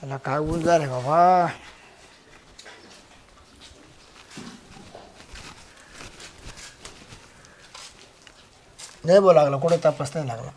त्याला काय ऊस झालं बाबा. नाही बोला लागला, कुठे तपास नाही लागला.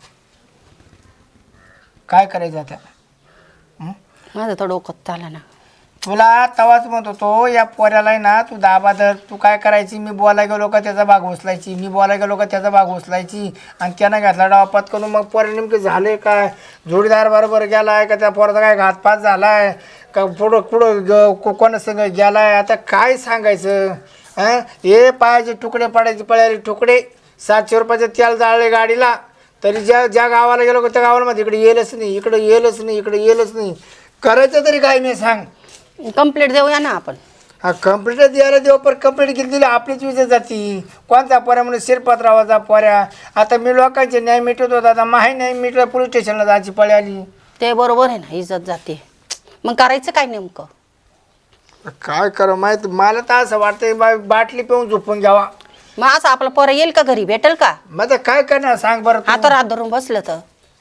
काय करायचं आता? माझं तर डोकं चाललं ना. तुला तवाच म्हणत होतो या पोऱ्याला आहे ना, तू दाबा धर. तू काय करायची, मी बोलायला गेलो का त्याचा भाग उचलायची, मी बोलायला गेलो का त्याचा भाग उचलायची. आणि त्यानं घातला डावापात करून मग पोऱ्या नेमके झाले काय, जोडीदार बरोबर गेलाय का, त्या पोराचा काय घातपात झालाय का, पुढं पुढं कोणासंग गेलाय. आता काय सांगायचं. हां, हे पायाचे तुकडे पडायचे, पळायचे तुकडे. 700 रुपयाचं तेल जाळले गाडीला, तरी ज्या गावाला गेलो का त्या गावाला मध्ये इकडे येलच नाही, इकडे येलच नाही, इकडे येलच नाही. करायचं तरी काय नाही सांग. कंप्लेंट देऊया ना आपण. हा, कंप्लीट द्यायला देऊ, पण कंप्लीट केली दिली आपलीच विजय जाती. कोणता पोऱ्या म्हणून शिरपतरावाचा पोऱ्या. आता मी लोकांचे न्याय मिटवत होता, आता माही न्याय मिटलं, पोलीस स्टेशनला जायची पळी आली. ते बरोबर आहे ना, इज्जत जाते. मग करायचं काय नेमकं? काय करा माहिती, मला तर असं वाटतंय बाटली पिऊन झोपून घ्यावा. मग असं आपलं पोरं येईल का घरी, भेटेल का? मग आता काय करणार सांग बरं तू? आता रात धरून बसलं तर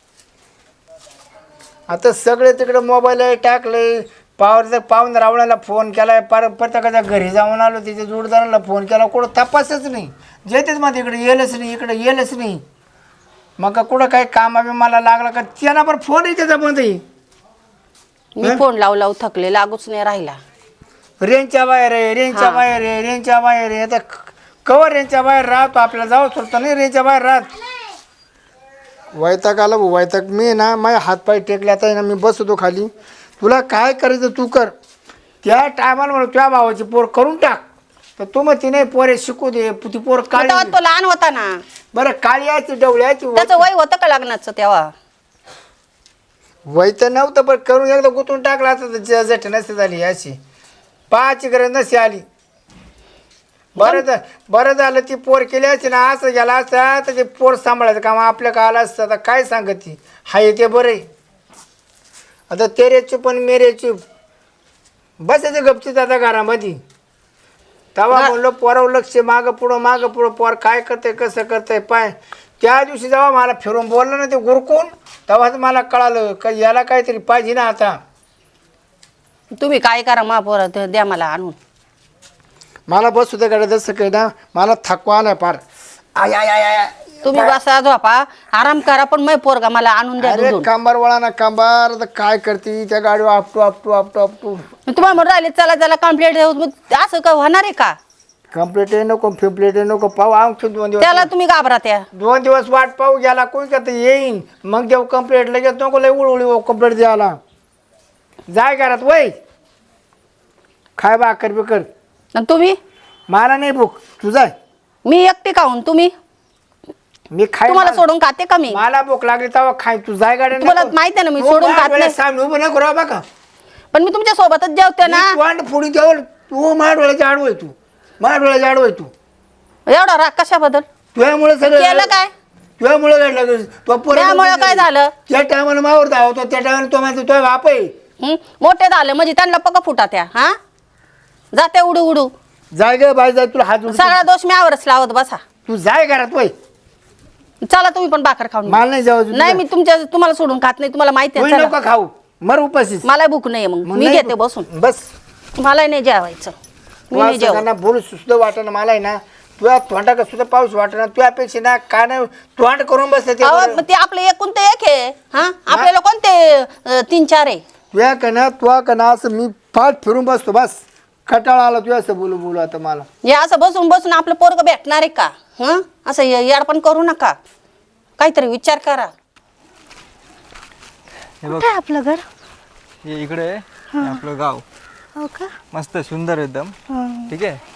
आता सगळे तिकडे मोबाईल टाकले. पाहून रावणाला फोन केलाय, प्रत्येकाच्या घरी जाऊन आलो, तिच्या जोडदाराला फोन केला, कुठं तपासच नाही. जेतेच मग इकडे येलच नाही, इकडे येलच नाही. मग कुठं काही कामा मला लागला का त्यांना पण फोन आहे त्याच्यामध्ये. मी फोन लावू थकले, लागूच नाही राहिला. रेंजच्या बाहेर आहे, रेंजच्या बाहेर आहे, रेंजच्या बाहेर आहे. आता कवर रेंजच्या बाहेर राहतो, आपल्याला जाऊ शकतो नाही रेंजच्या बाहेर राहत. वैताग आला भाऊ, वैताग. मी ना माझे हातपाय टेकले, आता ना मी बसतो खाली. तुला काय करायचं तू कर. त्या टायमाला म्हणून तुझ्या भावाची पोर करून टाक, तर तू मग तिने पोरे शिकू दे. ती पोर काळी, तो लहान होता ना. बरं काळी यायची डवळ्याची. त्याचं वय होतं का लग्नाचं तेव्हा? वय तर नव्हतं, पण करून एकदा गुंतून टाकला असता जट नसते झाली अशी. पाहायची गरज नसते आली. बरं झालं ती पोर केली असते ना, असं गेला असता तर ते पोर सांभाळायचं काम आपल्या का आलं असतं. आता काय सांगत ती हाय ते बरं आहे. आता तेरे चूप आणि मेरे चूप बसायचं गपचीत आता घरामध्ये. तेव्हा म्हणलं पोरावर लक्ष, मागं पुढं पोर काय करतंय कसं करतंय पाय. त्या दिवशी जेव्हा मला फिरून बोललं ना ते गुरकून, तेव्हाच मला कळालं का याला काहीतरी पाहिजे ना. आता तुम्ही काय करा, मा पोरं द्या मला आणून. मला बस होतं गाड्या जसं काही ना, मला थकवा आलाय फार. आय आय आय आय. तुम्ही बसा झोपा आराम करा, पण मै पोरगा मला आणून द्या. अरे कंबर वळा ना कंबर. आता काय करते त्या गाडीवर आपटू आपटू आपटू आपटू. तुम्हाला म्हणून राहिले चला चला कंप्लेंट देऊ, असं का होणार आहे का? कंप्लेट नको, फिम्प्लेट नको, पाहू आणखी 2 दिवस. त्याला तुम्ही घाबरा त्या 2 दिवस वाट पाहू. गेला कोणी का येईन मग देऊ कंप्लेट. लगेच नको लय उळउळी कंप्लेट द्यायला. जाय घरात वय खाय भाकर बिकर. तुम्ही मला नाही भूक, तू जाय. मी एकटी खाऊन तुम्ही मी खाय, तुम्हाला सोडून खाते का मी? मला भूक लागली तेव्हा खाय. तू जाय गाड्या. तुम्हाला माहिती आहे ना मी सोडून खात नाही. सामने उभं नको राहा बघा. पण मी तुमच्या सोबतच जेवते ना. वांड फोडी द्यावं. तू माझ्या डोळ्याच्या आडवय, तू माझ्या डोळ्याच्या आडवय. तू एवढा राग कशाबद्दल तुझ्यामुळे सगळं केलं काय? तुझ्यामुळे घडलं. त्यामुळे काय झालं? त्या टायमाला मावर धावतो, त्या टायमाला तो माझा तो बाप आहे. मोठे झाले म्हणजे त्यांना पका फुटा त्या. हा जाते उडू उडू. जाय ग बाय जाय. तुला हात जोडतो. सगळा दोष मी आवरच लावत बसा. तू जाय घरात वय. चला तुम्ही पण भाकर खाऊन. मला नाही जाऊ. नाही मी तुम्हाला सोडून खात नाही, तुम्हाला माहिती आहे. नको खाऊ, मर उपाशीच. मला भूक नाही. मग मी घेते बसून. बस मला नाही जेवायचं. मी नाही जेवण. बोलू सुद्धा वाटणं मला आहे ना. तुझ्या तोंडा का सुद्धा पाऊस वाटणं. तुझ्यापेक्षा ना काय नाही तोंड करून बसते. ते आपलं एकूण ते एक आहे. हा आपल्याला कोणते 3-4 आहे? तुझ्या का ना असं मी फाट फिरून बसतो. बस खटाळा आला तुझ्या असं बोलू बोलू. आता मला या असं बसून बसून आपलं पोरग भेटणार आहे का? हं असं याडपण करू नका, काहीतरी विचार करा. कुठे आहे आपलं घर? हे इकडे आहे, हे आपलं गाव. हो का? मस्त सुंदर एकदम. ठीक आहे.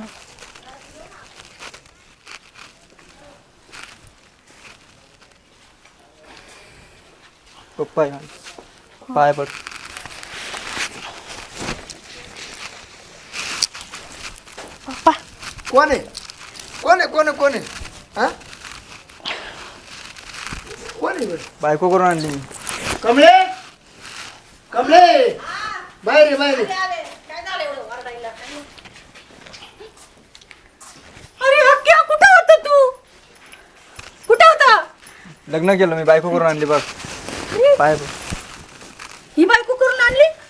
पप्पा पाय पड. पप्पा कोण आहे? कोण आहे? कोण आहे? कोण आहे? हा कोण आहे? बायको करून आणली. कमले, कमले बाहेर बाहेर. अरे हक्क्या, कुठं होता तू? कुठं होता? लग्न केलं मी, बायको करून आणली बघ. पाय पड. ही बायको करून आणली?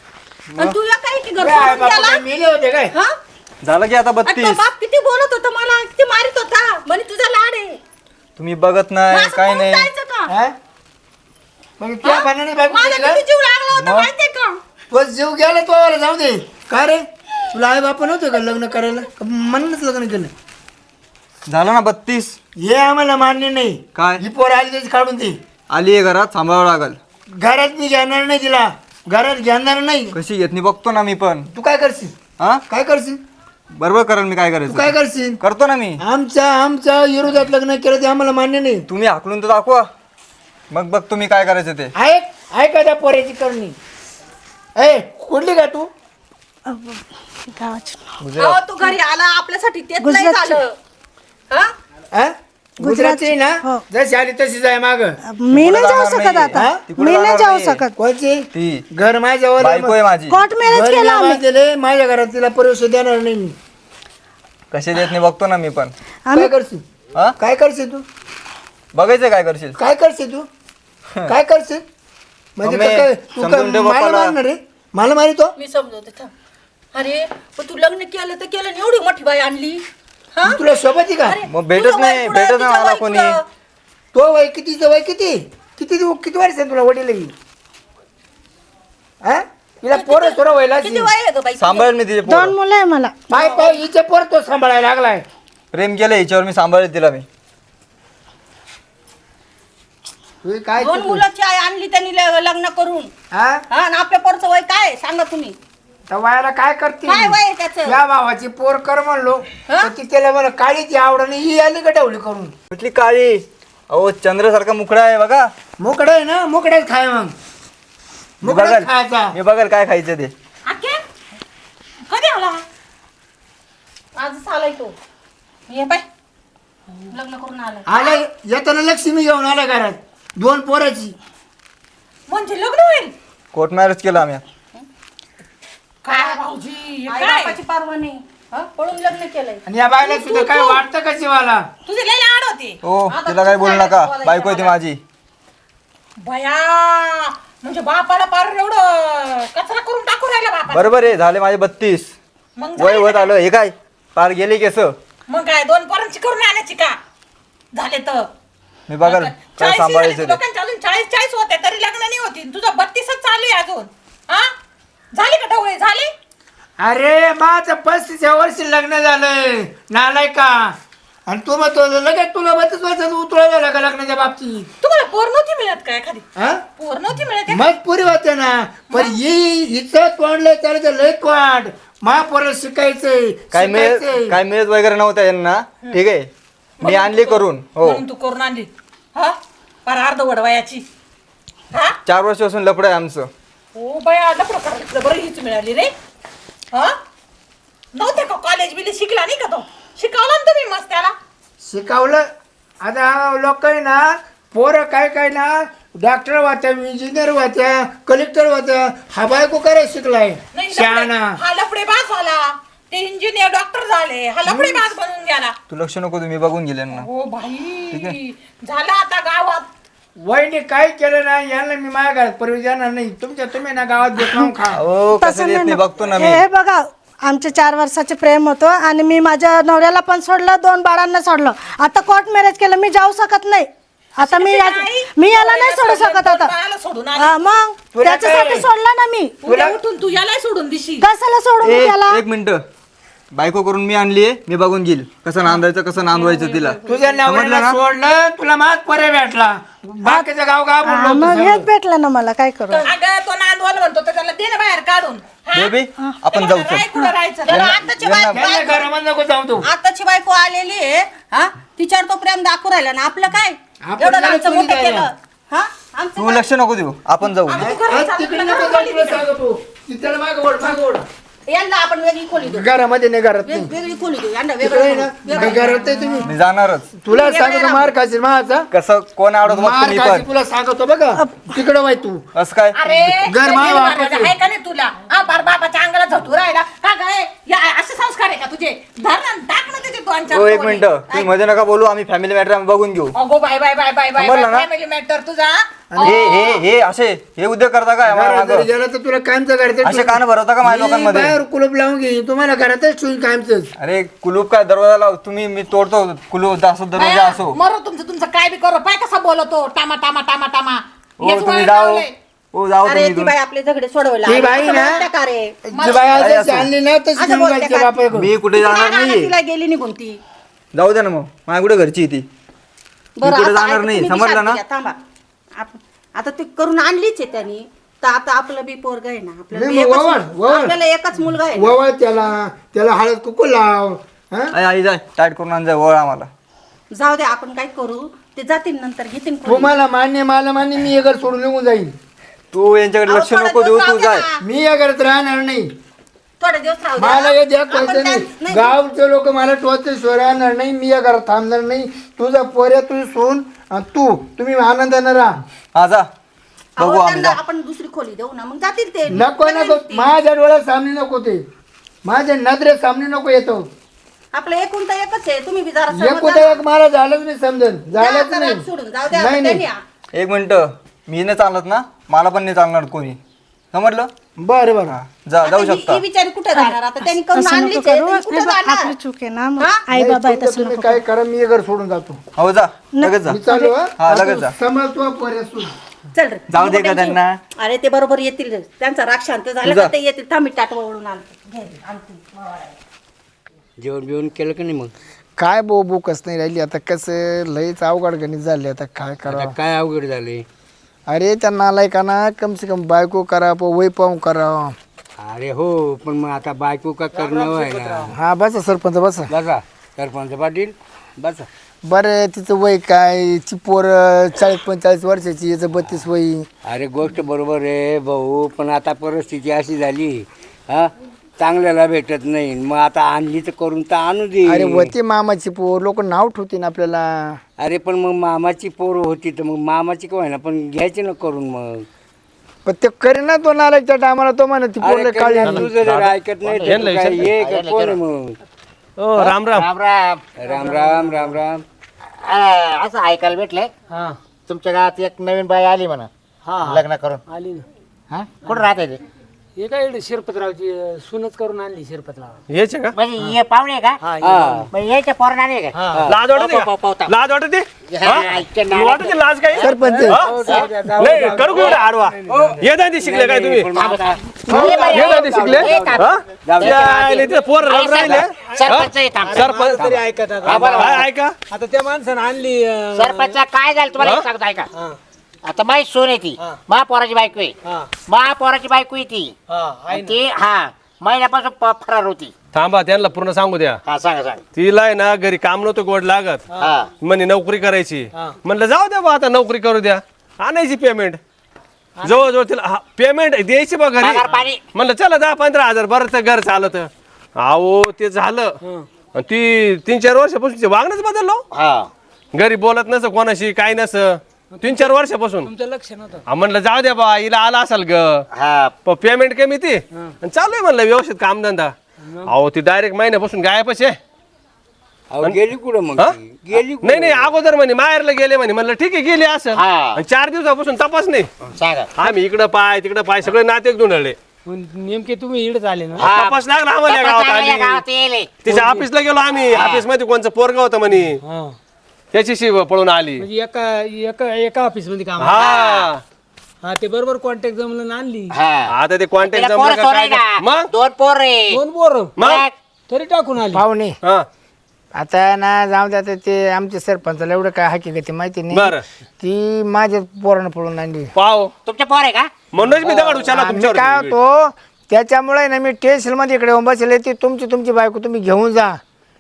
आणि तू या काय की घर काय सोडून बापा, गेला? काय मेले होते काय हा? झालं की आता आणि तो 32. बाप किती बोलत होता मला, किती मारित होता म्हणे तुझा लाड आहे. तुम्ही बघत मग नाही असं काय पळून नाही. जायचं का? हा? मग त्या भांडणाने बायको माझा केली का? किती जीव लागला होता मग? माहितीये का? तो जीव गेला तो आला जाऊ दे. का रे तुला आई बापा नव्हतं का लग्न करायला म्हणूनच लग्न केलं. झालं ना 32. हे आम्हाला मान्य नाही. काय? ही पोर आली त्याची काढून दे. आली आहे घरात, सांभाळावं लागल. घरात मी घेणार नाही तिला, घरात घेणार नाही. कशी घेत नाही बघतो ना मी पण. तू काय करशील? हा काय करशील? बरोबर करेल मी. काय तू काय करायचं करशील? करतो ना मी. आमच्या विरोधात लग्न केलं ते आम्हाला मान्य नाही. तुम्ही हाकलून तर दाखवा, मग बघ तुम्ही काय करायचं ते. ऐका त्या पोऱ्याची करणी. कुठली का तू? गावाची अहो, तू घरी आला आपल्यासाठी तेच नाही गुजरातची. झालं. हा? हा? गुजरातची ना हो. जशी आली तशीच आहे माग. मी नाही जाऊ जाणार शकत नाहीये. आता. हा? तिकडं मी नाही जाणार जाऊ नाहीये. शकत. कोणची? ती घर माझ्यावर बायको आहे माझी. कोर्ट मॅरेज घर केलं आम्ही. दिले माझ्या घरात तिला प्रवेश देणार नाही मी. कसे देत नाही बघतो ना मी पण. काय करशील? हा काय करशील तू? बघायचं काय करशील. काय करशील तू? काय करशील? म्हणजे मम्मी, काय- तू काय समजून ठेव मला बापाला. मारणार रे? मला मारितो? मी समजवते थांब. अरे पण तू लग्न केलं तर केलं आणि एवढी मोठी बाई आणली. हा? तुला सोबत आहे का? अरे, मग भेटत तुझं वय नाही, पुढं, भेटत तिचं नाही मला वय कोणी. पुढं. तो वय कितीचं वय किती किती वर्ष आहे तुला वडील हा तिला पोरं सोरं व्हायला किती वय आहे ग बाई तुझं? सांभाळेल मी तिचे पोरं. 2 मुलं आहे मला. पाय पाय हिचे पोर तो सांभाळायला लागलाय. प्रेम केलं हिच्यावर, मी सांभाळेल तिला मी. तू काय दोन मुलाची आई आणली त्यांनी लग्न करून. हा हा आणि आपल्या पोरचं वय काय आहे? सांगा तुम्ही. त्या वयाला काय करते काय वय आहे त्याचं? या भावाची पोर कर म्हणलो हा? तर ती त्याला मला काळीची आवड नाही ही आली का ठेवली करून. कुठली काळी? अहो चंद्रासारखा मुखडा आहे बघा. मोकळा आहे ना मोकळ्याच खाय मग मी मोकळ्याच बघेल खायचा. मी बघेल काय खायचं ते. आके? कधी आला? आजच आलाय तो. ये बाय लग्न करून आलाय. आला येताना लक्ष्मी घेऊन आला घरात 2 पोराची. म्हणजे लग्न होईल? कोर्ट मॅरेज केलं आम्ही. काय भाऊजी आई बापाची परवा नाही. हा? पळून लग्न केलंय. आणि या बायला सुद्धा काय वाटतं का जीवाला? तुझे लय लाड होते. हो आता तिला काय तू बोलू काय नका, बोलायचं बायको आहे ती मला? माझी. भया म्हणजे बापाला पार एवढं कचरा करून टाकू राहिला बापा. बरोबर आहे, झाले माझे 32. मग वय झाले होत का? आलं. हे काय पार गेले केस. मग काय 2 पोरांची करून आणायची का? झाले तर मी बघाल काय सांभाळायचं ते. लोकांच्या अजून 40 होते तरी लग्न नाही होती. तुझं 32च चालू आहे अजून. हा झाले का ढवळे झाले? अरे माझं 35 वर्षी लग्न झालंय नालाय का. आणि तू मग लगेच तुला 32 वर्षात उतरा झाला का लग्नाच्या बाबतीत? तुम्हाला पोर नव्हती मिळत काय एखादी? हा पोर नव्हती मिळत मग पुरी होते ना. पण हिचं तोंडलंय चालायचं लय तोंड. महापोरं शिकायचंय काय शिकायचंय. मिळत काय मिळत वगैरे नव्हतं यांना. ठीक आहे मी आणली करून. हो म्हणून तू करून आणली. हा फार अर्ध वडवायाची. हा 4 वर्षापासून लपड आहे आमचं. हो बाया लपडं करायचं बरं हीच मिळाली रे. हा नव्हते का कॉलेज बिले शिकला नाही का तो? शिकवला ना तुम्ही मस्त त्याला. शिकवलं. आता लोक आहे ना पोरं काय काय ना डॉक्टर होत्या इंजिनियर होत्या कलेक्टर होत्या. हा बायको करायला शिकलाय नाही शहाणा. हा लफडेबाज झाला. ते इंजिनियर डॉक्टर झाले. हा लफडेबाज बनून गेला. तू लक्ष नको तुम्ही बघून गेले ना. हो भाई झाला आता गावात. वहिनी काय केलं ना यांना मी माझ्या घरात परवी जाणार नाही. तुम्ही ना गावात भेटून खा. हो कसं तसं देत नाही नाही बघतो ना मी. हे बघा आमचे 4 वर्षाचे प्रेम होतं आणि मी माझ्या नवऱ्याला पण सोडलं 2 बाळांना सोडलं. आता कोर्ट मॅरेज केलं मी जाऊ शकत नाही. आता मी याला नाही सोडू शकत आता. बाळाला सोडून आली. हा, मग तुला त्याच्यासाठी काय? सोडलं ना मी. उद्या उठून तू याला सोडून दिशी. कशाला सोडू मी त्याला? एक मिनिट. बायको करून मी आणलीये, मी बघून घेईल कसं नांदायचं कसं नांदवायचं तिला. तुझ्या समजलं नवऱ्याला ना? सोडलं तुला मात परे भेटला. बाकीचं गाव गाव हा, बोललो मग होतं हेच सगळं. भेटलं ना मला काय करू. अगं तो नांदवाला म्हणतो तर त्याला दे ना बाहेर काढून. हा? बेबी आपण जाऊ चल. राय कुठं राहायचं? त्याला आताची यांना- बायको- यांना घरामध्ये नको जाऊ तू. आताची बायको आलेली आहे. हा तिच्यावर तो प्रेम दाखवू राहिला ना. आपलं काय आपण एवढं त्याला आमचं चुली मोठं द्यायला. केलं. हा आमचं तू लक्ष नको देऊ, आपण जाऊ. आम्ही तू घरात आज चालू तिकडे केलं नको ना, जाऊ खाली तुला तिकडं. सांगतो. तिथं मागं ओढ, मागं ओढ. यांना आपण वेगळी खोली देऊ. घरामध्ये नाही घरात नाही. वेगळी खोली देऊ. यांना तिकडे आहे वेगळं ना घरात आहे तुम्ही. मी जाणारच. तुला सांगतो मार खाशील माझा. कसं कोण आवडत बघतो मार मी खाशील पण. तुला सांगतो बघा. तिकडं वाय तू. असं काय अरे घर माय लय वापस मारायचं आहे का नाही तुला? हा बार बाबाच्या अंगाला झटू राहिला का काय? या असे संस्कार आहे का तुझे? धर ना, टाक ना त्याचे दोन चार हो एक टोले. मिनिट तुम्ही मध्ये नका बोलू आम्ही फॅमिली मॅटर बघून घेऊ अगो bye bye bye bye bye समजलं ना? फॅमिली मॅटर तुझा. हे असे हे उद्योग करता काय घरात मागं? जरी गेला तर तुला कायमचं घरात असे कान भरवता का माझ्या लोकांमध्ये बाहेर कुलूप लावून घेईन तुम्हाला घरातच ठेवून कायमच. अरे कुलूप काय दरवाजा लाव तुम्ही मी तोडतो कुलूप असो दरवाजा बाया, असो मरो तुमचं काय बी करो. पाय कसा बोलतो टामा टामा टामा टामा. हो हेच तुम्ही वळण जाओ लावलंय. हो जाओ अरे तुम्ही ती इथून. बाई आपले झगडे सोडवायला ती आली. बाई असं ना- बोलते का रे? जी बाई अरे आज असो. आणली ना तशी असं घेऊन बोलते जायची का? बापाकडे. मी कुठे जाणार तिला नाहीये तिला गेली निघून ती. जाऊ दे ना मग माझ्या कुठे घरची आहे ती बरं, कुठे असं जाणार ऐका, नाही, तुम्ही बी समजलं शांत ना? घ्या, थांबा. आता ती करून आणलीच आहे त्यांनी, तर आता आपलं बी पोरग आहे ना, आपल्याला नाही, बी मग एकच- वळण. आपल्याला एकच मुलगा आहे ना. वळ त्याला हळद कुकू लाव हा? आई जाय टाईट करून आण जाय वळ आम्हाला जाऊ दे, आपण काय करू, ते जातील नंतर घेतील कोणी. तुम्हाला मान्य मला मान्य मी हे घर सोडून निघून जाईल. तू यांच्याकडे लक्ष अहो, नको थोडे देऊ दिवस तू राहू जाय द्या ना. मी या घरात राहणार नाही. थोडे दिवस राहू द्या. मला हे द्या आपण कळतं त्या- नाही. गावचे लोक मला टोचल्याशिवाय राहणार नाही. मी या घरात थांबणार नाही. तुझा पोऱ्या तुझी सोन आणि तुम्ही आनंदाने राहा. हा जा अहो, बघू आम्ही त्यांना जा आपण दुसरी खोली देऊ ना, मग जातील ते. नको नको ते. माझ्या डोळ्यात सामने नको ते माझ्या नजरेत सामने नको येतो. आपलं एकूण तर एकच आहे, तुम्ही बी जरा एक होता एक मला झालंच नाही समजन झालंच आता नाही. राग सोडून जाऊ द्या, नाही त्यांनी नाही एक मिनिट मी नाही चालत ना मला पण नाही चालणार कोणी समजलं बरं बरं जा आता जाऊ ही- शकता ही बिचारी कुठे जाणार आता? त्यांनी करून असं नको आणलीच आहे, करू. त्यांनी कुठे हे बघ, जाणार? आपली चूक आहे ना मग. हा? आई बाबा आहे नाही, तसं तुम्ही नको काय करा मी हे घर सोडून जातो. हो जा लगेच जा मी चालू हा? हा, लगेच जा. आता समज तू पोऱ्या सोड. चल रे. जाऊ दे का त्यांची- त्यांना? अरे ते बरोबर येतील रे. त्यांचा राग शांत झाला जा. का ते येतील. थांबी टाटवा ओढून आणतो. घे रे, आणतो. जेवण बिवण केलं का नाही मग काय बो बोकच नाही राहिली आता कसं लईच अवघड गणित झाले आता काय आता करा. काय अवघड झाले अरे त्या नालायकांना कम से कम बायको करा वय पाहून करा. अरे हो पण मग आता बायको का करणं आहे ना हा बसा सरपंच बसा. बसा सरपंच पाटील बसा बरं तिचं वय काय ची पोर 40-45 वर्षाची याचं 32 वय. अरे गोष्ट बरोबर आहे भाऊ पण आता परिस्थिती अशी झाली हा चांगल्याला भेटत नाही मग आता आणली तर करून तर आणू दे अरे वती मामाची पोर लोक नाव ठेवतील आपल्याला. अरे पण मग मामाची पोर होती तर मग मामाची काय ना पण घ्यायची ना करून मग पण ते करी ना तो नालायकच्या टायमाला तो म्हणा ती अरे पोरले काळी कल्याण, तू जर ऐकत नाही तर तू काय ये का कोण आहे मग राम राम राम राम राम राम असं ऐकायला भेटलंय तुमच्या गावात एक नवीन बाई आली म्हणा लग्न करून आली ना हा कुठं राहते ते हे काय शिरपतरावची सुनच करून आणली शिरपतराव यायचे का म्हणजे हे पाहुणे आहे का म्हणजे यायच्या पोरण आले का लाज वाटते लाज वाटते वाटते लाज काय सरपंच नाही करू कुठे आडवा ये दादी शिकले काय तुम्ही ये दादी शिकले हा? यायले ते पोर रम राहिले सरपंच येतात. सरपंच तरी ऐकत आता काय ऐका आता त्या माणसानं आणली सरपंच काय झालं तुम्हाला एक सांगतो ऐका आता माही सोन आहे ती महापोराची बायको आहे महापोराची बायको आहे ती आणि ती महिन्यापासून फरार होती. थांबा त्यांना पूर्ण सांगू द्या सांगा सांगा तिला आहे ना घरी काम नव्हतं गोड लागत म्हणे नोकरी करायची म्हणलं जाऊ द्या बा आता नोकरी करू द्या आणायची पेमेंट जवळजवळ तिला पेमेंट द्यायची बा घरी पगार पाणी. म्हणलं चला 10-15 हजार बरं तर घर चालत अहो ते झालं आणि ती 3-4 वर्षापासून वागणंच बदललो घरी बोलत नस कोणाशी काय नस 3-4 वर्षापासून तुमचं लक्ष नव्हतं म्हणलं जाऊ द्या बा हिला आला असाल ग पेमेंट कमी ती आणि चालू आहे म्हणलं व्यवस्थित कामधंदा अहो ती डायरेक्ट महिन्यापासून गायबच आहे अहो, गेली कुठं मग हा? ती? गेली कुठं? नाही अगोदर म्हणे माहेरला गेले म्हणे म्हणलं ठीक आहे गेली असं हा. आणि 4 दिवसापासून तपास नाही सांगा आम्ही इकडं पाय तिकडं पाय सगळे नाते धुंडले पण नेमके तुम्ही इकडे आले ना तपास लागला आम्हाला या गावात या आली गावात येले तिच्या ऑफिसला गेलो आम्ही ऑफिस मध्ये कोणचं पोरगा होतं म्हणे हा. त्याच्याशी पळून आली म्हणजे एका ऑफिस मध्ये काम हा ते बरोबर कॉन्टॅक्ट जमलं ना आणली आता ते कॉन्टॅक्ट तिला पोरं जमलं का सोर काय आहे ना मग दोन पोर रे दोन पोर मग तरी टाकून आली पाहुणे हा आता ना जाऊ द्या आता ते आमच्या सरपंचाला एवढं काय हकीकती माहिती नाही. बरं ती माझ्या पोरानं पळून आणली. पाव तुमच्या पोर आहे का म्हणूनच मी दगड उचलला मी काय तुमच्यावर होतो त्याच्यामुळे ना मी टेन्शन मध्ये इकडे येऊन बसले ती तुमची बायको तुम्ही घेऊन जा.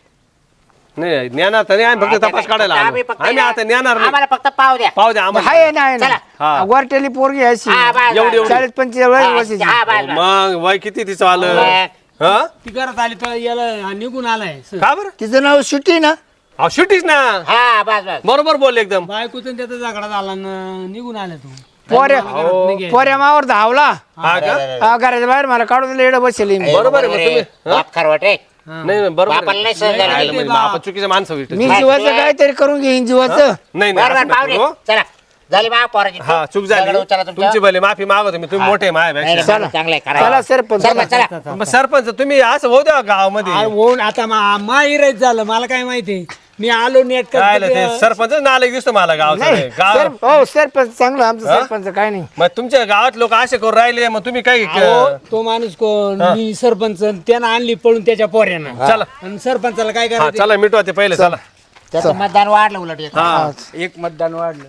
नाही ज्ञानात नाही आम्ही फक्त तपास काढायला आलो. आम्ही फक्त आम्ही आता ज्ञानार नाही आम्हाला फक्त पाव द्या पाहू द्या आम्हाला आहे ना चला. हा. गोरटेली पोरगी अशी हा, बस, एवढी बस. 40-45 वर्षाची. हा, बस, बस. मग वय किती तिचं आलं हा ती घरात आली तर याला निघून आलाय का बरं तिचं नाव सुट्टी ना. अहो शुटीच ना हा बस बस बरोबर बोल एकदम बायकोचं त्याचा झगडा झाला ना निघून आला तू पोऱ्या मावर धावला हा का घराच्या बाहेर मला काढून दिलं एवढं बसेल मी. बरोबर आहे मग तुम्ही बाप खरवट आहे. नाही नाही, बरोबर आहे. बापाला नाही सहन झालं. नाही, म्हणजे आपण चुकीच्या माणसं भेटतो. मी जीवाचं काहीतरी करून घेईन जीवाचं. नाही नाही बरोबर असं नका पाहुणे करू. चला झाली बा पोराची हा चूक झाली दगड उचला तुमच्या. तुमची भले माफी मागवतो मी तुम्ही मोठे नाही, माझ्यापेक्षा नाही, चांगलं आहे, करा. चला सरपंच सरपंच, चला. मग सरपंच तुम्ही असं होऊ द्या गावामध्ये होऊन आता माहिरच झालं मला काय माहिती मी आलो नेट काय आलं ते सरपंच नालायक दिसतो मला गावचं नाही गाव हो सरपंच चांगलं आमचं सरपंच काय नाही. मग तुमच्या गावात लोक असे करून राहिले मग तुम्ही काय तो माणूस कोण मी सरपंच त्यानं आणली पळून त्याच्या पोऱ्यानं चला आणि सरपंचाला काय हा करायचं चला मिटवा ते पहिले चला त्याचं मतदान वाढलं उलट एक. हा एक मतदान वाढलं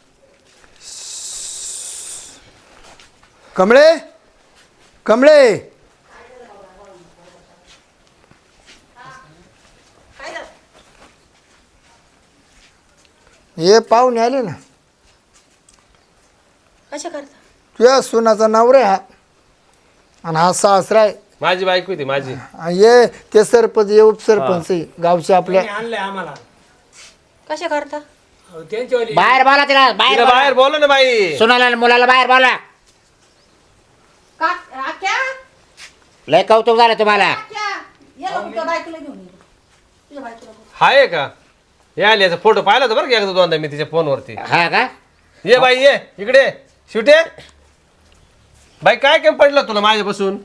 कमळे कमळे हे पाहुणे आले ना कशा करता तुझ्या सुनाचा नवरा आहे हा आणि हा सासरा आहे माझी बायको होती माझी आणि हे ते सरपंच हे उपसरपंच आहे गावचे आपल्या. आणलंय आम्हाला कशा करता त्यांच्यावाली बाहेर बोला तिला बाहेर तिला बोला. बाहेर बोला ना बाई सुनाला आणि मुलाला बाहेर बोला. लय कौतुक झालं तुम्हाला. हाय का हे आली याचा फोटो पाहिला होता बरं का एकदा दोनदा मी तिच्या फोनवरती हा का ये बाई ये इकडे शिवटे बाई काय केम पडलं तुला माझ्यापासून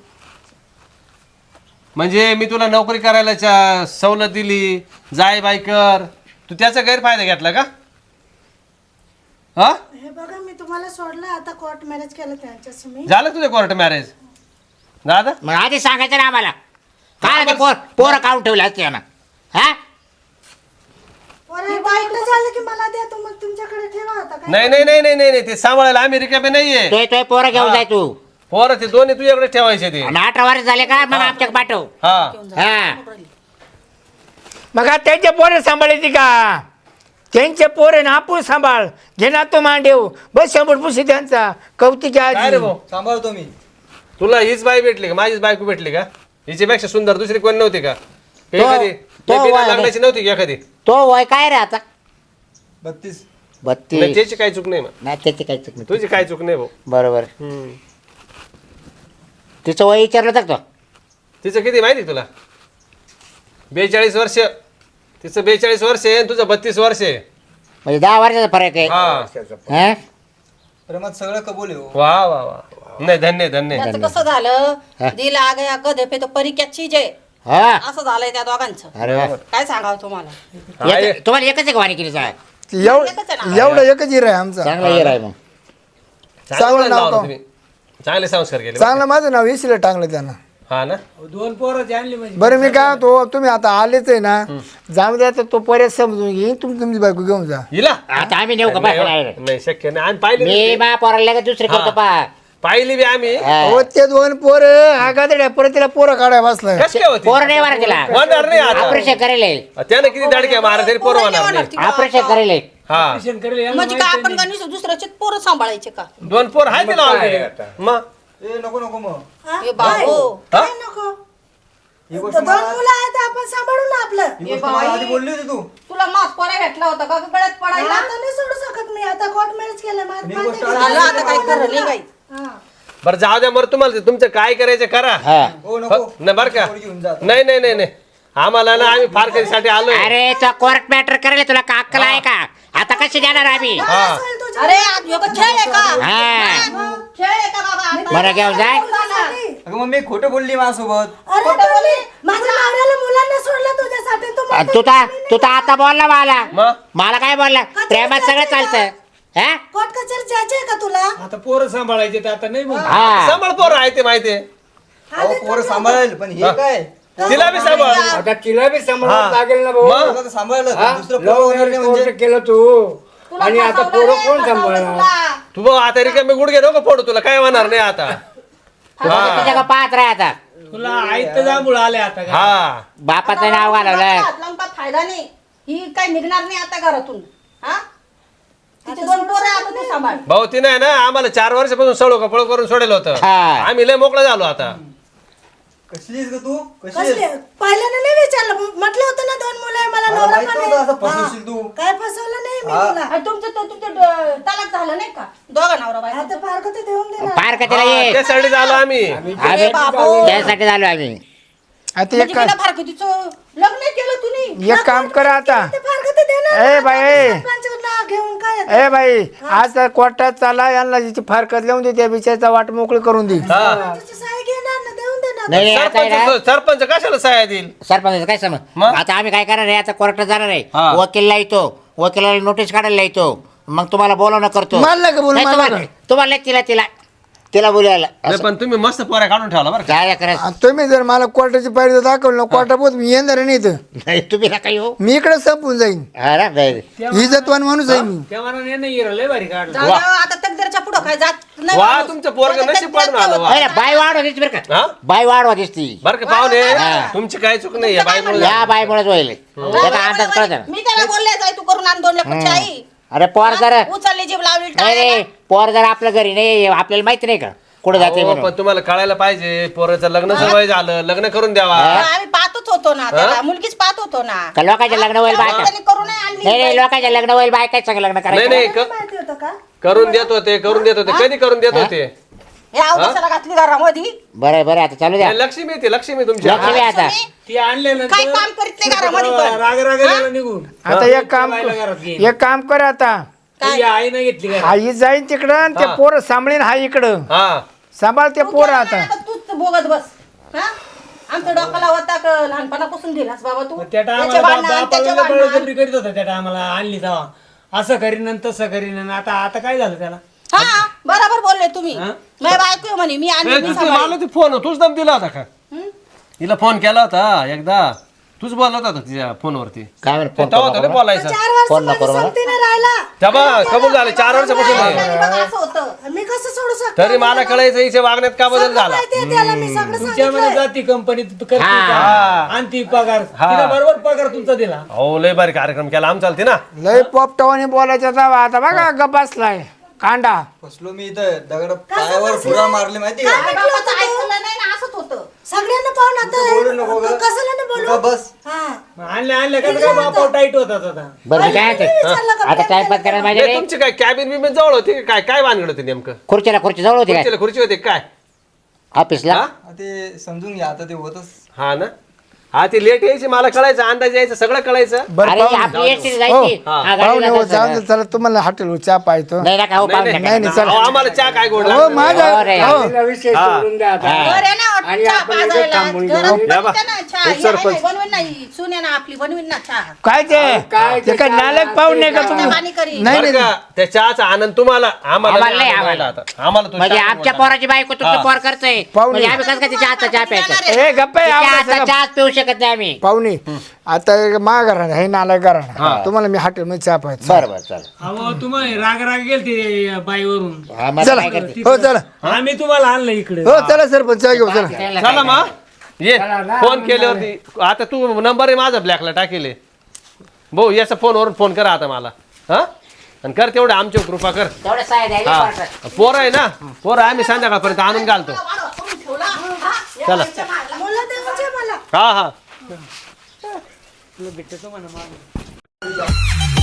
म्हणजे मी तुला नोकरी करायला सवलत दिली जाय बाई कर तू त्याचा गैरफायदा घेतला का हा हे बघा मी तुम्हाला सोडलं आता कोर्ट मॅरेज केलं त्यांच्याशी मी. झालं तुझं कोर्ट मॅरेज दादा मग आधी सांगायचं ना आम्हाला काय ते पोरं काढून ठेवले असते ना हा पोरं एकदा एकटं झालं की मला द्या तू मग तुमच्याकडे ठेवा आता काय. नाही नाही नाही नाही नाही नाही, ते सांभाळायला आम्ही रिकामे नाहीये तोय पोरं घेऊन जाय तू पोरं ते दोन्ही तुझ्याकडे ठेवायचे ते आणि 18 वर्ष झाले का मग आमच्याकडे पाठव. हा हा मग आता त्यांच्या पोरे सांभाळायची का त्यांचे पोरे ना आपण सांभाळ घेणार तो मांडेव बस शंभर पुशी त्यांचा कौतिक काय रे आहे भाऊ सांभाळतो मी. तुला हीच बाई भेटली का माझीच बायको भेटली का हिच्यापेक्षा सुंदर दुसरी कोण नव्हती का एखादी तो बिना वाय रे. लग्नाची नव्हती का एखादी तो वय काय रे आता 32. 32 नाही त्याची काही चूक नाही मग नाही त्याची काही चूक नाही तुझी काही चूक नाही भाऊ बरोबर हम्म. तिचं वय विचारलं तर तो तिचं किती माहिती तुला 42 वर्ष तिचं 42 वर्ष आहे आणि तुझं 32 वर्ष आहे म्हणजे 10 वर्षाचा फरक आहे हा हा? प्रेमात सगळं कबूल आहे हो. वा वा वा नाही धन्य धन्य त्याचं कसं झालं दिल आ गया गधे पे तो परी क्या चीज आहे हा असं झालंय त्या दोघांचं अरे वा. काय सांगावं तुम्हाला तुम्हाला एकच आहे का वाणी साहेब एवढं एकच हिर आहे आमचा. चांगला येर आहे मग चांगलं नाव लावलं का? तुम्ही चांगले संस्कार केले चांगलं माझं नाव इसिला टांगलं त्यानं. हा ना दोन पोरं आणली म्हणजे बरं मी काय तो तुम्ही आता आलेच आहे ना जाऊ द्या तर तो पर्याय समजून घेईन तुम्ही तुमची बायको घेऊन जा. हिला आता आम्ही नेऊ का बाहेर नाही शक्य नाही आम्ही पाहिली मी बी. मा पोराला लगेच दुसरी करतो पा पाहिली बी आम्ही हो ते दोन पोर हा गादड्या परत तिला पोरं काढाय बसलाय. कस काय होती पोर नाही मारा तिला होणार नाही आता ऑपरेशन करेल त्यानं किती दाडक्या मारा तरी पोरं होणार नाही ऑपरेशन करेल हा म्हणजे काय आपण गणेश दुसऱ्याचे पोरं सांभाळायचे का दोन पोर आहे तिला already. मग ए नको नको मग हे बाबू हा? काय नको ही गोष्ट दोन मुलं आहेत आपण सांभाळू ना आपलं. ही गोष्ट मला आधी बोलली होती तू तुला मास पोऱ्या भेटला होता का गळ्यात पडायला आता नाही सोडू शकत मी आता कोर्ट मॅरेज केलं मी माझं गोष्ट झालं आता काय खरं नाही काही हा. बरं जाऊ द्या बरं तुम्हाला ते तुमचं काय करायचं करा हा हो नको नाही बरं का पोर घेऊन जा. नाही नाही नाही नाही आम्हाला ना आम्ही फार कधीसाठी आलोय अरे तो कोर्ट मॅटर करेल तुला का अक्कल आहे का आता कशी देणार आम्ही हा असेल तुझ्या- अरे आज ह्यो का खेळ आहे का हा खेळ आहे का बाबा आता? बरं घेऊन जाय तुझ्यासाठी. अगं मग मी खोटं बोलली माझ्यासोबत अरे तुम्ही माझ्या नवऱ्याला मुलांना सोडलं तुझ्यासाठी तू आणि म्हणतो तू तर आता बोलला मला मग मला काय बोलला प्रेमात सगळं चालतं हा कोर्ट कचेरी जायचे का तुला आता पोरं सांभाळायचे तर आता नाही म्हणा हा सांभाळ पोर आहे ते माहितीये अहो पोरं सांभाळेल पण हे काय तिला बी सांभाळ आता तिला बी सांभाळावं हा. लागेल ना भाऊ मग? तुला तर सांभाळलं हा? पण दुसरं लव्ह पोरं होणार मॅरेज नाही म्हणजे कोर्ट केलं तू तुला आणि आता फसवलं पोरं रे, कोण फसवलं सांभाळणार तुला. तू बघ आता रिकामे गुडघे नको फोडू तुला काय होणार नाही आता तुझ्या का पाहत राह आता तुला आयत जांभूळ आले आता का? हा बापाचं नाव घालवलं हात लावून काय फायदा नाही ही काय निघणार नाही आता घरातून हा तिचे दोन पोरं आता तू सांभाळ भाऊ ती नाही ना आम्हाला 4 वर्षापासून सळो कपळ करून सोडेल होतं हा. आम्ही लय मोकळं झालो आता कशी आहेस ग तू कशी कसले पहिल्याने नाही विचारलं म्हटलं होतं ना 2 मुलं आहे मला मला नवरा माहित पण नव्हतं आहे. असं फसवशील तू. हा. काय फसवलं नाही मी हा. तुला तुमचं तलाक झालं नाही का दोघा नवरा बायको आता फार कधी देऊन देणार पार का तिला ये त्यासाठी झालो आम्ही आम्ही बाबू. त्यासाठी झालो आम्ही आता म्हणजे बिना फारकतीचं लग्न केलं तुम्ही एक काम करा आता ते फार कधी देणार ए ना. बाई, आता ए. सरपंचाचं नाव घेऊन काय येतं? ए बाई आज कोर्टात चाला यांना जिची फारकत लिहून दे त्या बिचारचा वाट मोकळी करून दे त्याची साई घेणार ना देऊन देणार नाही नाही, आता आहे ना, सरपंच कशाला सहाय्या देईल सरपंच काय समज मग? आता आम्ही काय करणार आहे आता कोर्टात जाणार आहे हा. वकीलला येतो वकिलाला नोटीस काढायला येतो मग तुम्हाला बोलवणं करतो मला नका बोलू, नाही, मला तुम्हाला नका. तुम्हाला नाही, तिला बोलायला नाही, पण तुम्ही मस्त पोऱ्या काढून ठेवला बरं का काय करायचं आणि तुम्ही जर मला कोर्टाची पायरी दाखवलं ना कोर्टापोत मी येणार नाही इथं नाही तुम्ही नका येऊ मी इकडे संपून जाईन हा ना, नाही. इज्जतवान माणूस आहे मी त्या मनाने नाही लय भारी काढलं जाऊ द्या, आता तकदीरच्या पुढं काय जात नाही वा माणूस. तुमचं पोरग नशीब पाडून आलं वा नाही, नाही, बाय वाढवा दिसती बरं का हा? बाय वाढवा दिसती बरं का पाहुणे हा. तुमची काय चूक नाही या बाई या बायमुळेच व्हायला त्याचा अंदाज कळत ना मी त्याला बोलले जाय तू करून आण 2 लाखाची आई अरे पोर जर उचलली जीभ लावली नाही टाळ्याला. रे पोर जर आपल्या घरी नाही आपल्याला माहिती नाही का कुठे जाते पण तुम्हाला कळायला पाहिजे पोराचं लग्न वय झालं लग्न करून द्यावा आम्ही पाहतच होतो ना त्याला मुलगीच पाहत होतो ना का लोकांच्या लग्न होईल बायका त्यांनी करू नाही आणली नाही नाही लोकांच्या लग्न होईल बायकाच सगळं लग्न नाही करायचं नाही माहिती होतं का करून देत होते कधी करून देत होते हे अवकाशाला घातली घरामध्ये बरं बरं आता चालू द्या हे लक्ष्मी ती लक्ष्मी तुमची लक्ष्मी आता ती आणल्यानंतर काय काम करीत नाही घरामध्ये पण राग गेला निघून आता बाईला घरात घेईन. एक काम कर आता तुझी आई नाही घेतली घरात. आई जाईन तिकडं आणि ते पोरं सांभाळीन हा इकडं हा सांभाळ ते पोरं आता आता तूच बोगत बस हा आमच्या डोक्याला होता का लहानपणापासून दिलास बाबा तू मग त्या त्याच्या टायमाला भांडण, त्याच्या बापाला भांडण. बळजबरी करीत होता त्या टायमाला आणली तेव्हा असं करीन आणि तसं करीन आणि आता आता काय झालं त्याला हा बरोबर बोलले तुम्ही हा? माझ्या बायको आहे म्हणे मी आणली मी मला सांभाळली. ते फोन तूच दम दिला होता का हिला फोन केला होता एकदा तूच बोलत होता तिच्या फोनवरती काय म्हणत फोन तेव्हा होतं बोलायचं 4 फोन नको वर्षामध्ये करू मला. संगतीने राहिला तेव्हा कबूल झाले 4 वर्षापासून नाही. आणि बघा असं होतं मी कसं सोडू शकतो तरी मला कळायचं हिच्या वागण्यात का बदल झाला माहितीये त्याला मी सगळं तुमच्यामध्ये सांगितलंय जाती कंपनीत करते हा. का? आणि ती पगार तिला बरोबर पगार तुमचा दिला हो लय भारी कार्यक्रम केला आम चालते ना लय पोपटावाने बोलायचा जावा आता बघा गप बसलाय कांडा फसलो मी इथं दगड पायावर फुगा मारले माहिती का काय म्हटलं होतं ऐकलं तू? नाही ना असंच होतं सगळ्यांना पाहून बोलू नको ग. आता कशाला नाही तू बोलू बस हा आणल्या का काय बापा टाईट होता आता बरं मी काय म्हणते? विचारलं का आता टाइमपास करायला पाहिजे नाही, रे. तुमची काय कॅबिन बिबिन जवळ होती का? काय काय भानगड होती नेमकं खुर्ची जवळ होती काय खुर्ची होती काय ऑफिसला हा? ते समजून घ्या आता ते होतच हा ना हा ती लेट यायची मला कळायचं अंदाज यायचं सगळं कळायचं बरं अरे पाहुणे. आपली एसटी हो. जायची हा. हा, गाडीला पाहुणे हो जायचं. जाऊन दे, चला तुम्हाला हॉटेल चहा पाहतो नाही नका हो पाहुणे नाही, नका. नाही नाही चला अहो, आम्हाला चहा काय गोड हो लागतं? माझ्या हो रे. हो तिला विषय सोडून द्या आता घर आहे ना आणि चहा आपण इथं पाजायला. थांबून घरात घेऊ. बनवते या बा. ना चहा. एक हे सरपंच. आहे, बनवीन नाही सुने ना आपली बनवीन ना चहा काय ते काय नालक पाहुणे का तुम्ही पाणी करीन. नाही बरं नाही का? त्या चहाचा आनंद तुम्हाला आम्हाला आम्हाला नाही, आनंद आम्हाला. व्हायला आता. आम्हाला तो म्हणजे चहा आमच्या आवडला. पोराची बायको तुमचं पोर करतोय पाहुणे. म्हणजे आम्ही कसं काय तिच्या हातचा चहा प्यायचा ए गप्पा आहे, तिच्या आवडा हातचा सगळं. चहाच पिऊ शकत नाही आम्ही पाहुणे आता मा घराणं हे नालक घराणं तुम्हाला मी हॉटेल मध्ये चहा पाहतो बरं बरं चल अहो तुम्हाला राग गेलते बाईवरून हा, मग चला काय करते हो चला आम्ही तुम्हाला आणलं इकडे हो चला सरपंच चहा घेऊ चला चला मग ये फोन केल्यावरती आता तू नंबर आहे माझा ब्लॅकला टाकेले भाऊ याचा फोनवरून फोन करा आता मला हा आणि कर तेवढं आमची कृपा कर तेवढं साय द्यावी हा कोर्टात. पोरं आहे ना पोरं आम्ही संध्याकाळपर्यंत आणून घालतो वाढवा, करून ठेवला. हा, या चला. बाईच्या मागला. मुलं देवाचे मला हा हा भेटतो म्हणा